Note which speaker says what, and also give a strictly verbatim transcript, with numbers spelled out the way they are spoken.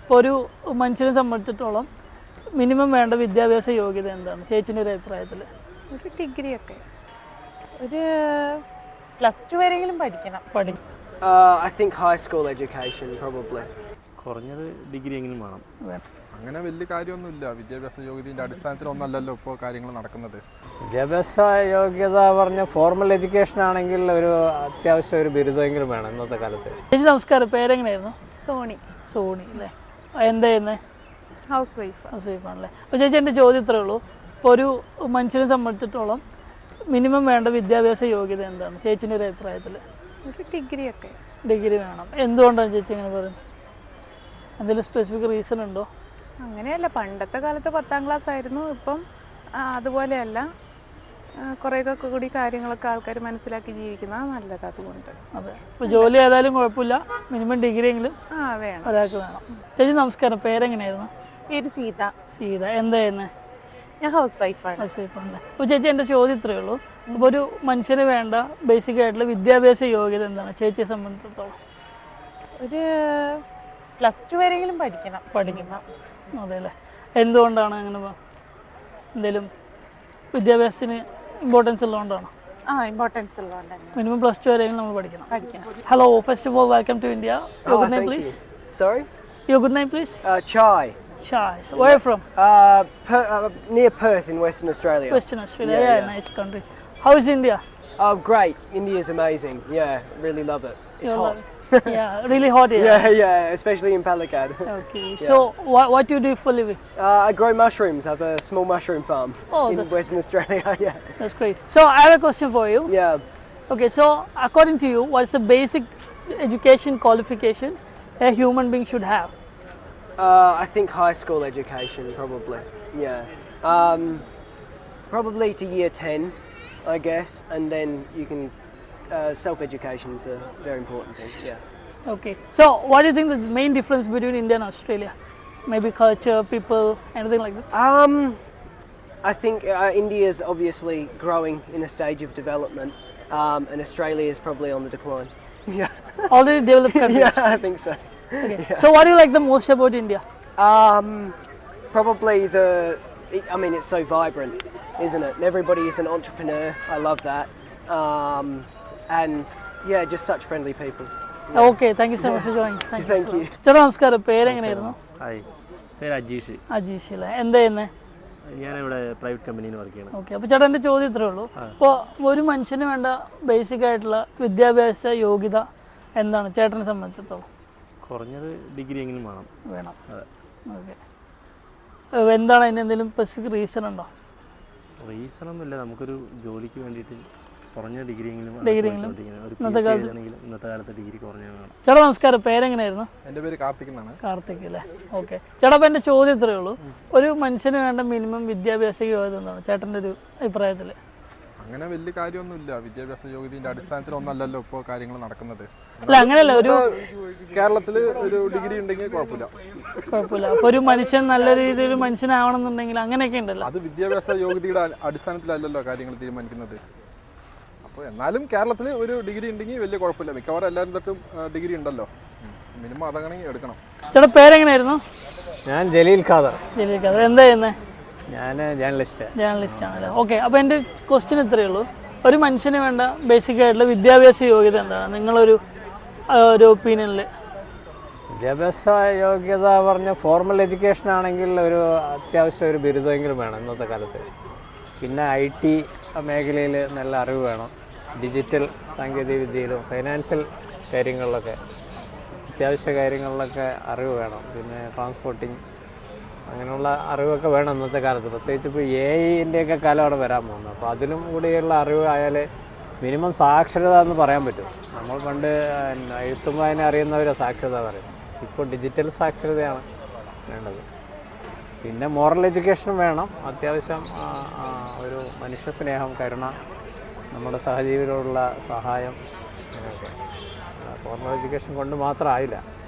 Speaker 1: ഇപ്പോൾ ഒരു മനുഷ്യനെ സംബന്ധിച്ചിടത്തോളം മിനിമം വേണ്ട വിദ്യാഭ്യാസ യോഗ്യത എന്താണ് ചേച്ചിൻ്റെ ഒരു അഭിപ്രായത്തിൽ?
Speaker 2: ഒരു ഡിഗ്രി ഒക്കെ ഒരു പ്ലസ് ടു വരെയെങ്കിലും പഠിക്കണം.
Speaker 1: പഠിക്കും.
Speaker 3: I think high school education probably.
Speaker 4: കുറഞ്ഞത് ഡിഗ്രി എങ്കിലും വേണം.
Speaker 5: അങ്ങനെ വലിയ കാര്യമൊന്നുമില്ല. വിദ്യാഭ്യാസ യോഗ്യതയുടെ അടിസ്ഥാനത്തിലൊന്നല്ലല്ലോ ഇപ്പോൾ കാര്യങ്ങൾ നടക്കുന്നത്.
Speaker 6: വിദ്യാഭ്യാസ യോഗ്യത പറഞ്ഞ ഫോർമൽ എഡ്യൂക്കേഷൻ ആണെങ്കിൽ ഒരു അത്യാവശ്യം ഒരു ബിരുദമെങ്കിലും വേണം ഇന്നത്തെ കാലത്ത്.
Speaker 1: ചേച്ചി നമസ്കാരം, പേരെങ്ങനെയായിരുന്നു?
Speaker 2: സോണി.
Speaker 1: സോണി അല്ലേ? എന്താ ചെയ്യുന്നത്?
Speaker 2: Housewife.
Speaker 1: ഹൗസ് വൈഫാണല്ലേ. അപ്പോൾ ചേച്ചി എൻ്റെ ചോദ്യം ഇത്രയേ ഉള്ളൂ, ഇപ്പോൾ ഒരു മനുഷ്യനെ സംബന്ധിച്ചിടത്തോളം മിനിമം വേണ്ട വിദ്യാഭ്യാസ യോഗ്യത എന്താണ് ചേച്ചിൻ്റെ ഒരു അഭിപ്രായത്തിൽ?
Speaker 2: ഒരു ഡിഗ്രി ഒക്കെ.
Speaker 1: ഡിഗ്രി വേണം. എന്തുകൊണ്ടാണ് ചേച്ചി അങ്ങനെ പറയുന്നത്? എന്തെങ്കിലും സ്പെസിഫിക് റീസൺ ഉണ്ടോ?
Speaker 2: അങ്ങനെയല്ല, പണ്ടത്തെ കാലത്ത് പത്താം ക്ലാസ് ആയിരുന്നു. ഇപ്പം അതുപോലെയല്ല, കുറേയൊക്കെ കൂടി കാര്യങ്ങളൊക്കെ ആൾക്കാർ മനസ്സിലാക്കി ജീവിക്കുന്നത് നല്ലത്. അതുകൊണ്ട്
Speaker 1: അതെ, ഇപ്പോൾ ജോലി ഏതായാലും കുഴപ്പമില്ല, മിനിമം ഡിഗ്രി എങ്കിലും
Speaker 2: ആ വേണം,
Speaker 1: ഒരാൾക്ക് വേണം. ചേച്ചി നമസ്കാരം, പേരെങ്ങനെയായിരുന്നു?
Speaker 2: പേര് സീത.
Speaker 1: സീത. എന്താ ചെയ്യുന്നത്?
Speaker 2: ഞാൻ ഹൗസ് വൈഫാണ്.
Speaker 1: ഹൗസ് വൈഫാണല്ലേ. അപ്പോൾ ചേച്ചി എൻ്റെ ചോദ്യം ഇത്രയേ ഉള്ളൂ, അപ്പോൾ ഒരു മനുഷ്യന് വേണ്ട ബേസിക് ആയിട്ടുള്ള വിദ്യാഭ്യാസ യോഗ്യത എന്താണ് ചേച്ചിയെ സംബന്ധിച്ചിടത്തോളം?
Speaker 2: ഒരു പ്ലസ് ടു വരെയെങ്കിലും പഠിക്കണം.
Speaker 1: പഠിക്കണം. അതെ അല്ലേ? എന്തുകൊണ്ടാണ് അങ്ങനെ? എന്തെങ്കിലും വിദ്യാഭ്യാസത്തിന് ഇമ്പോർട്ടൻസ് ഉള്ളതുകൊണ്ടാണ്?
Speaker 2: ആ, ഇമ്പോർട്ടൻസ് ഉള്ളതുകൊണ്ട് തന്നെ
Speaker 1: മിനിമം പ്ലസ് ടു വരെയെങ്കിലും നമ്മൾ പഠിക്കണം.
Speaker 2: പഠിക്കണം.
Speaker 1: Hello, first of all welcome to India. Your good name please?
Speaker 3: Sorry?
Speaker 1: Your good name please?
Speaker 3: Uh, Chai.
Speaker 1: Chai. So where are you from?
Speaker 3: Uh, per, uh, near Perth in Western Australia.
Speaker 1: Western Australia.
Speaker 3: Yeah,
Speaker 1: Yeah,
Speaker 3: yeah.
Speaker 1: nice country. How is India?
Speaker 3: Oh, great. India's amazing. Yeah, really love it. It's
Speaker 1: You
Speaker 3: hot.
Speaker 1: love it? Yeah, really hot here.
Speaker 3: Yeah, yeah, especially in Palakkad.
Speaker 1: Okay. So what what do you do for living?
Speaker 3: Uh, I grow mushrooms. I have a small mushroom farm
Speaker 1: Oh,
Speaker 3: in
Speaker 1: that's
Speaker 3: Western Australia. Yeah.
Speaker 1: That's great. So I have a question for you.
Speaker 3: Yeah.
Speaker 1: Okay. So according to you, what is the basic education qualification a human being should have?
Speaker 3: Uh, I think high school education probably. Yeah. Um, probably to year ten, I guess, and then you can. Uh, self-education is a very important thing. Yeah.
Speaker 1: Okay. So what do you think the main difference between India and Australia? Maybe culture, people, anything like that?
Speaker 3: Um, I think uh, India is obviously growing in a stage of development, um, and Australia is probably on the decline. Yeah.
Speaker 1: Already developed countries.
Speaker 3: Yeah, I think so.
Speaker 1: Okay. Yeah. So what do you like the most about India?
Speaker 3: Um, probably the. I mean, it's so vibrant, isn't it? And everybody is an entrepreneur. I love that. Um, and yeah, just such friendly people.
Speaker 1: Yeah. Okay, thank you so much for joining. Thank,
Speaker 3: Thank
Speaker 1: you.
Speaker 3: you.
Speaker 1: ചേട്ടാ നമസ്കാരം, പേരെങ്ങനെയായിരുന്നു?
Speaker 4: Hi, പേര് അജീഷ്.
Speaker 1: അജീഷ് അല്ലേ? എന്താ ചെയ്യുന്നത്?
Speaker 4: ഞാനിവിടെ private കമ്പനിയിൽ work ചെയ്യണം.
Speaker 1: Okay. അപ്പോൾ ചേട്ടാ എൻ്റെ ചോദ്യം ഇത്രയേ ഉള്ളൂ, ഇപ്പോൾ ഒരു മനുഷ്യന് വേണ്ട ബേസിക് ആയിട്ടുള്ള വിദ്യാഭ്യാസ യോഗ്യത എന്താണ് ചേട്ടനെ സംബന്ധിച്ചിടത്തോളം?
Speaker 4: കുറഞ്ഞത് ഡിഗ്രി എങ്കിലും വേണം.
Speaker 1: വേണം. ഓക്കെ. എന്താണ് അതിന് എന്തെങ്കിലും സ്പെസിഫിക് റീസൺ ഉണ്ടോ?
Speaker 4: റീസൺ ഒന്നുമില്ല, നമുക്കൊരു ജോലിക്ക് വേണ്ടിയിട്ട് കുറഞ്ഞ ഡിഗ്രി എങ്കിലും
Speaker 1: ഇന്നത്തെ
Speaker 4: കാലത്ത് ഡിഗ്രി കുറഞ്ഞ വേണം.
Speaker 1: ചേട്ടാ നമസ്കാരം, പേരെങ്ങനെയായിരുന്നു?
Speaker 5: എൻ്റെ പേര് കാർത്തിക് എന്നാണ്.
Speaker 1: കാർത്തിക് അല്ലേ? ഓക്കെ. ചേട്ടാ അപ്പോൾ എൻ്റെ ചോദ്യം ഇത്രയേ ഉള്ളൂ, ഒരു മനുഷ്യന് വേണ്ട മിനിമം വിദ്യാഭ്യാസ യോഗ്യത എന്താണ് ചേട്ടൻ്റെ ഒരു അഭിപ്രായത്തിൽ?
Speaker 5: അങ്ങനെ വലിയ കാര്യമൊന്നുമില്ല. വിദ്യാഭ്യാസ യോഗ്യതയുടെ അടിസ്ഥാനത്തിലൊന്നല്ലല്ലോ ഇപ്പോൾ കാര്യങ്ങൾ നടക്കുന്നത്.
Speaker 1: അല്ല അങ്ങനെയല്ല, ഒരു
Speaker 5: കേരളത്തിൽ ഒരു ഡിഗ്രി ഉണ്ടെങ്കിൽ കുഴപ്പമില്ല.
Speaker 1: കുഴപ്പമില്ല. അപ്പോൾ ഒരു മനുഷ്യൻ നല്ല രീതിയിൽ ഒരു മനുഷ്യനാവണമെന്നുണ്ടെങ്കിൽ അങ്ങനെയൊക്കെ ഉണ്ടല്ലോ.
Speaker 5: അത് വിദ്യാഭ്യാസ യോഗ്യതയുടെ അടിസ്ഥാനത്തിലല്ലല്ലോ കാര്യങ്ങൾ തീരുമാനിക്കുന്നത്. അപ്പോൾ എന്നാലും കേരളത്തിൽ ഒരു ഡിഗ്രി ഉണ്ടെങ്കിൽ വലിയ കുഴപ്പമില്ല. മിക്കവാറും എല്ലാവരും തൊട്ടും ഡിഗ്രി ഉണ്ടല്ലോ, മിനിമം അതങ്ങനെ എടുക്കണം.
Speaker 1: ചേട്ടാ പേരെങ്ങനെയായിരുന്നു?
Speaker 6: ഞാൻ ജലീൽ ഖാദർ.
Speaker 1: ജലീൽ ഖാദർ. എന്താ ചെയ്യുന്നത്?
Speaker 6: ഞാൻ ജേർണലിസ്റ്റ്.
Speaker 1: ജേർണലിസ്റ്റ് ആണല്ലേ? ഓക്കെ. അപ്പോൾ എൻ്റെ ക്വസ്റ്റ്യൻ ഇത്രയേ ഉള്ളൂ, ഒരു മനുഷ്യന് വേണ്ട ബേസിക് ആയിട്ടുള്ള വിദ്യാഭ്യാസ യോഗ്യത എന്താണ് നിങ്ങളൊരു ഒരു ഒപ്പീനിയനിൽ?
Speaker 6: വിദ്യാഭ്യാസ യോഗ്യത പറഞ്ഞ ഫോർമൽ എഡ്യൂക്കേഷൻ ആണെങ്കിൽ ഒരു അത്യാവശ്യം ഒരു ബിരുദമെങ്കിലും വേണം ഇന്നത്തെ കാലത്ത്. പിന്നെ ഐ ടി മേഖലയിൽ നല്ല അറിവ് വേണം. ഡിജിറ്റൽ സാങ്കേതിക വിദ്യയിലും ഫൈനാൻഷ്യൽ കാര്യങ്ങളിലൊക്കെ അത്യാവശ്യ കാര്യങ്ങളിലൊക്കെ അറിവ് വേണം. പിന്നെ ട്രാൻസ്പോർട്ടിങ് അങ്ങനെയുള്ള അറിവൊക്കെ വേണം ഇന്നത്തെ കാലത്ത്. പ്രത്യേകിച്ച് ഇപ്പോൾ എ ഐൻ്റെയൊക്കെ കാലമാണ് വരാൻ പോകുന്നത്. അപ്പോൾ അതിലും കൂടിയുള്ള അറിവ് ആയാൽ മിനിമം സാക്ഷരത എന്ന് പറയാൻ പറ്റും. നമ്മൾ പണ്ട് എഴുത്തും വായന അറിയുന്നവരെ സാക്ഷരത പറയും. ഇപ്പോൾ ഡിജിറ്റൽ സാക്ഷരതയാണ് വേണ്ടത്. പിന്നെ മോറൽ എഡ്യൂക്കേഷൻ വേണം. അത്യാവശ്യം ഒരു മനുഷ്യ സ്നേഹം, കരുണ, നമ്മുടെ സഹജീവികളോടുള്ള സഹായം, അങ്ങനെയൊക്കെ. ഫോർമൽ എഡ്യൂക്കേഷൻ കൊണ്ട് മാത്രം ആയില്ല.